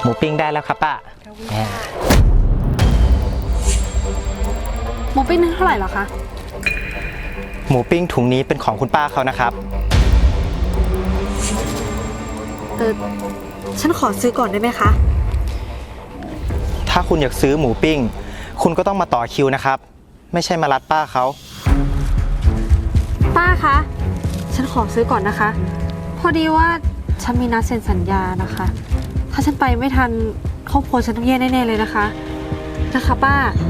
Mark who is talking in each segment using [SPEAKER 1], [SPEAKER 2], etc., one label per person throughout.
[SPEAKER 1] มูปิ้งได้แล้วครับป้า
[SPEAKER 2] หมูปิ้งนึงเท่าไหร่เหรอคะ
[SPEAKER 1] หมูปิ้งถุงนี้เป็นของคุณป้าเขานะครับ
[SPEAKER 2] ฉันขอซื้อก่อนได้ไหมคะ
[SPEAKER 1] ถ้าคุณอยากซื้อหมูปิ้งคุณก็ต้องมาต่อคิวนะครับไม่ใช่มารัดป้าเขา
[SPEAKER 2] ป้าคะฉันขอซื้อก่อนนะคะพอดีว่าฉันมีนัดเซ็นสัญญานะคะถ้าฉันไปไม่ทันครอบครัวฉันต้องแย่แน่ๆเลยนะคะป้า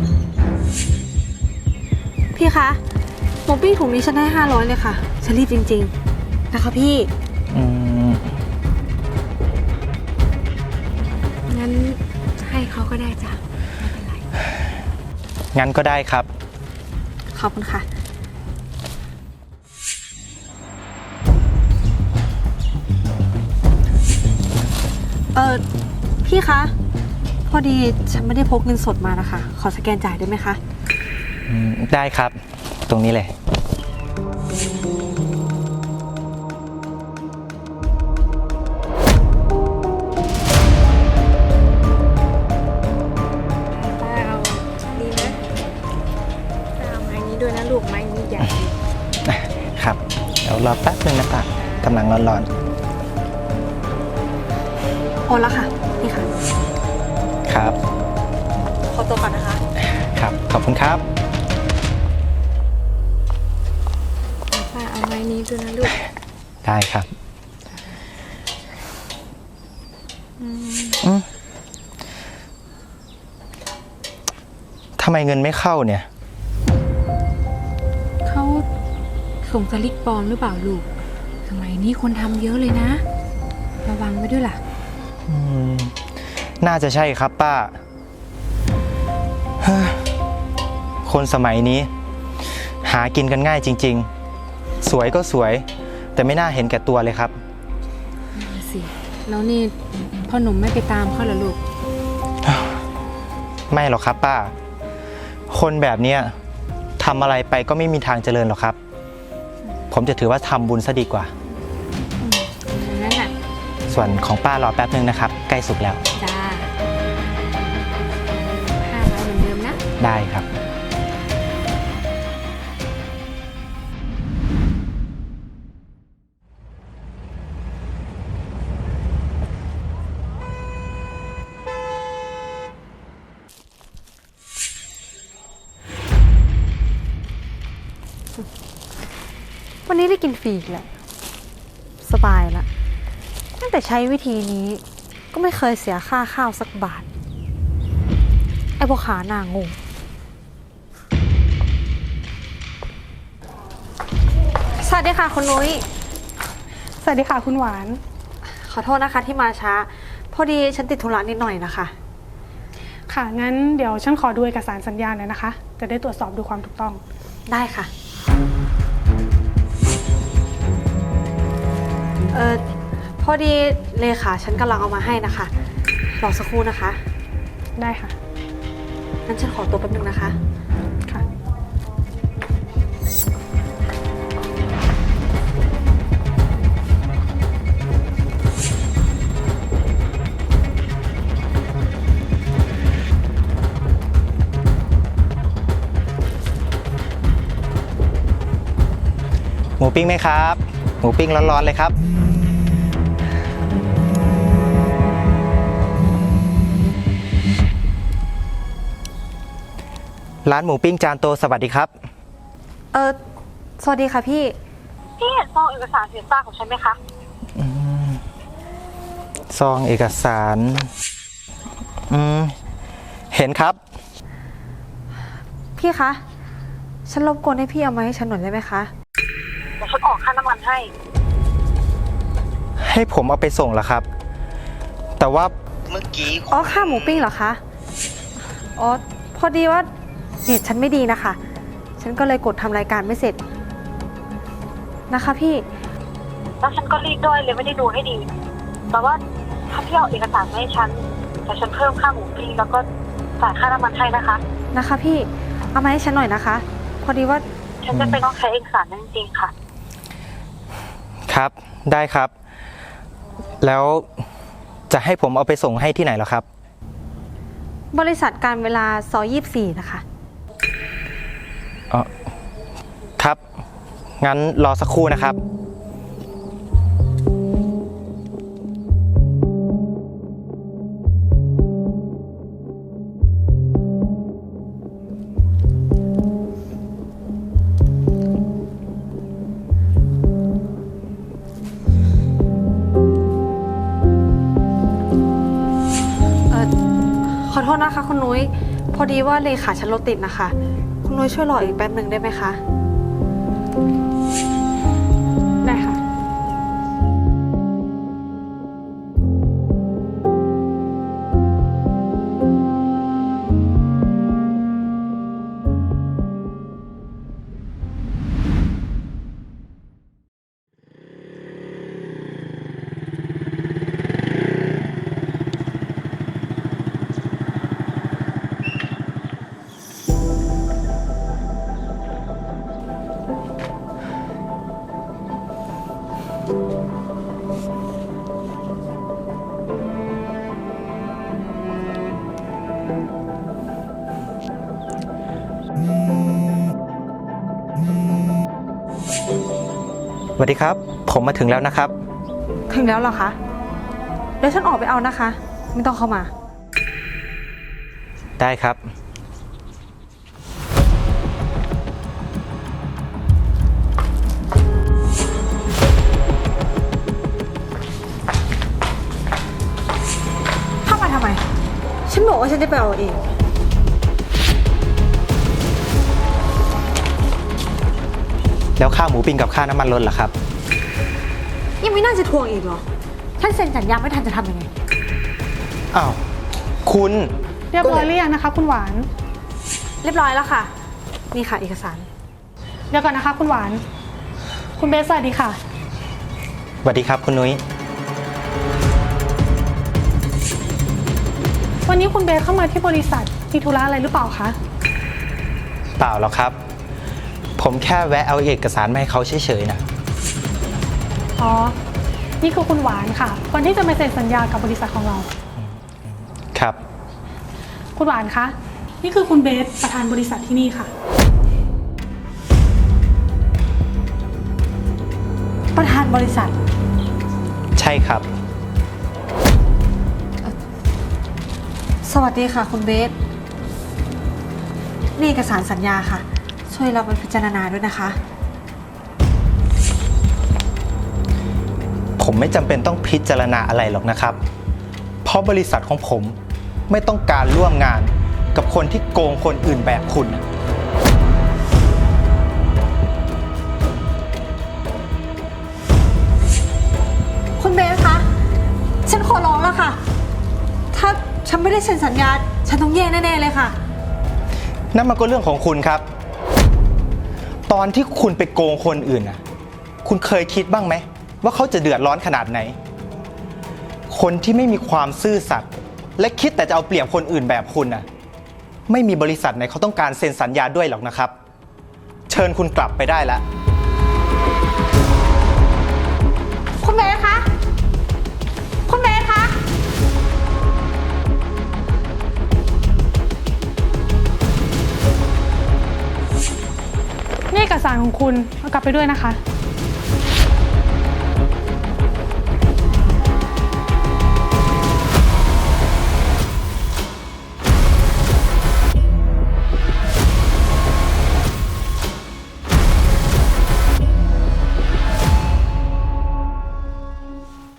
[SPEAKER 2] พี่คะหมูปิ้งถุงนี้ฉันได้500เลยค่ะฉันรีบจริงๆนะคะพี่งั้นให้เขาก็ได้จ้ะไม่เป็นไร
[SPEAKER 1] งั้นก็ได้ครับ
[SPEAKER 2] ขอบคุณค่ะพี่คะพอดีฉันไม่ได้พกเงินสดมานะคะขอสแกนจ่ายได้ไหมคะ
[SPEAKER 1] ได้ครับตรงนี้เลย
[SPEAKER 2] ป้าเอาดีนะป้าเอาไม้นี้ด้วยนะลูกไม้นี้ใหญ่
[SPEAKER 1] ครับเดี๋ยวรอแป๊บนึงนะป้ากำลังร้อน
[SPEAKER 2] โอนแล้วค่ะนี่ค่ะ
[SPEAKER 1] ครับ
[SPEAKER 2] ขอตัวก่อนนะคะ
[SPEAKER 1] ครับขอบคุณครับ
[SPEAKER 2] ป้าเอาไม้นี้ด้วยนะลูก
[SPEAKER 1] ได้ครับทำไมเงินไม่เข้าเนี่ย
[SPEAKER 2] เขาส่งสลิปปลอมหรือเปล่าลูกสมัยนี้คนทำเยอะเลยนะระวังไว้ด้วยล่ะ
[SPEAKER 1] น่าจะใช่ครับป้าคนสมัยนี้หากินกันง่ายจริงๆสวยก็สวยแต่ไม่น่าเห็นแก่ตัวเลยครับ
[SPEAKER 2] สิแล้วนี่พ่อหนุ่มไม่ไปตามเขาเหรอลูก
[SPEAKER 1] ไม่หรอกครับป้าคนแบบนี้ทำอะไรไปก็ไม่มีทางเจริญหรอกครับผมจะถือว่าทำบุญซะดีกว่า
[SPEAKER 2] นั่นแหละ
[SPEAKER 1] ส่วนของป้ารอแป๊บนึงนะครับใกล้สุกแล้ว
[SPEAKER 2] จ้า500เหมือนเดิมนะ
[SPEAKER 1] ได้ครับ
[SPEAKER 2] วันนี้ได้กินฟรีแหละสบายละตั้งแต่ใช้วิธีนี้ก็ไม่เคยเสียค่าข้าวสักบาทไอ้พวกขาหน้างงสวัสดีค่ะคุณนุ้ย
[SPEAKER 3] สวัสดีค่ะคุณหวาน
[SPEAKER 2] ขอโทษนะคะที่มาช้าพอดีฉันติดธุระนิดหน่อยนะคะ
[SPEAKER 3] ค่ะงั้นเดี๋ยวฉันขอดูเอกสารสัญญาหน่อยนะคะจะได้ตรวจสอบดูความถูกต้อง
[SPEAKER 2] ได้ค่ะพอดีเลขาฉันกำลังเอามาให้นะคะรอสักครู่นะคะ
[SPEAKER 3] ได้ค่ะ
[SPEAKER 2] งั้นฉันขอตัวแป๊บนึงนะคะ
[SPEAKER 3] ค่ะ
[SPEAKER 1] หมูปิ้งไหมครับหมูปิ้งร้อนๆเลยครับร้านหมูปิ้งจานโตสวัสดีครับ
[SPEAKER 2] สวัสดีค่ะพี่
[SPEAKER 4] เห็นซองเอกสารสินสอดของฉันไหมคะ
[SPEAKER 1] ซองเอกสารเห็นครับ
[SPEAKER 2] พี่คะฉันรบกวนให้พี่เอามาให้ฉันหน่อยได้ไหมคะ
[SPEAKER 4] เดี๋ยวฉันออกค่าน้ำมัน
[SPEAKER 1] ให้ผมเอาไปส่งเหรอครับแต่ว่าเมื่อกี้
[SPEAKER 2] ค่าหมูปิ้งเหรอคะพอดีว่าเน็ตฉันไม่ดีนะคะฉันก็เลยกดทำรายการไม่เสร็จนะคะพี่
[SPEAKER 4] แล้วฉันก็รีบด้วยเลยไม่ได้ดูให้ดีแต่ว่าถ้าพี่เอาเอกสารมาให้ฉันแต่ฉันเพิ่มค่าหมูปิ้งแล้วก็จ่ายค่าน้ำมันให้
[SPEAKER 2] นะคะพี่เอามาให้ฉันหน่อยนะคะพอดีว่า
[SPEAKER 4] ฉันจะไปต้องใช้เอกสารนั้นจริงๆค่ะ
[SPEAKER 1] ครับได้ครับแล้วจะให้ผมเอาไปส่งให้ที่ไหนเหรอครับ
[SPEAKER 2] บริษัทการเวลาซอย24นะคะ
[SPEAKER 1] อ๋อครับ งั้นรอสักครู่นะครับ
[SPEAKER 2] ขอโทษนะคะคุณนุ้ย พอดีว่าเลขาฉันรถติดนะคะ คุณนุ้ยช่วยรออีกแป๊บหนึ่งได้ไหมคะ
[SPEAKER 3] ได้ค่ะ
[SPEAKER 1] สวัสดีครับ ผมมาถึงแล้วนะครับ
[SPEAKER 2] ถึงแล้วเหรอคะ เดี๋ยวฉันออกไปเอานะคะ ไม่ต้องเข้ามา
[SPEAKER 1] ได้ครับ
[SPEAKER 2] เข้ามาทำไม ฉันบอกว่าฉันจะไปเอาเอง
[SPEAKER 1] แล้วค่าหมูปิ้งกับค่าน้ำมันลดล่ะครับ
[SPEAKER 2] ยังไม่น่าจะทวงอีกเหรอ ฉันเซ็นสัญญาไม่ทันจะทำยังไง
[SPEAKER 1] อ้าว คุณ
[SPEAKER 3] เรียบร้อยหรือยังนะคะ คุณหวาน
[SPEAKER 2] เรียบร้อยแล้วค่ะ นี่ค่ะเอกสาร
[SPEAKER 3] เดี๋ยวก่อนนะคะ คุณหวาน คุณเบสสวัสดีค่ะ
[SPEAKER 1] สวัสดีครับคุณนุ้ย
[SPEAKER 3] วันนี้คุณเบสเข้ามาที่บริษัทมีธุระอะไรหรือเปล่าคะ
[SPEAKER 1] เปล่าหรอกครับ ผมแค่แวะเอาเอกสารมาให้เขาเฉยๆนะ
[SPEAKER 3] อ๋อ นี่คือคุณหวานค่ะคนที่จะมาเซ็นสัญญากับบริษัทของเรา
[SPEAKER 1] ครับ
[SPEAKER 3] คุณหวานคะ นี่คือคุณเบสประธานบริษัทที่นี่ค่ะ
[SPEAKER 2] ประธานบริษัท
[SPEAKER 1] ใช่ครับ
[SPEAKER 2] สวัสดีค่ะ คุณเบส นี่เอกสารสัญญาค่ะ ช่วยเราไปพิจารณาด้วยนะคะ
[SPEAKER 1] ผมไม่จำเป็นต้องพิจารณาอะไรหรอกนะครับ เพราะบริษัทของผมไม่ต้องการร่วมงานกับคนที่โกงคนอื่นแบบคุณ
[SPEAKER 2] คุณเบสคะ ฉันขอร้องแล้วค่ะ ถ้าฉันไม่ได้เซ็นสัญญา ฉันต้องแย่แน่ๆเลยค่ะ
[SPEAKER 1] นั่นมันก็เรื่องของคุณครับ ตอนที่คุณไปโกงคนอื่นน่ะ คุณเคยคิดบ้างไหมว่าเขาจะเดือดร้อนขนาดไหน คนที่ไม่มีความซื่อสัตย์และคิดแต่จะเอาเปรียบคนอื่นแบบคุณน่ะ ไม่มีบริษัทไหนเขาต้องการเซ็นสัญญาด้วยหรอกนะครับ เชิญคุณกลับไปได้แล้ว
[SPEAKER 2] คุณเบสคะ คุณเบสคะ
[SPEAKER 3] นี่เอกสารของคุณเอากลับไปด้วยนะคะ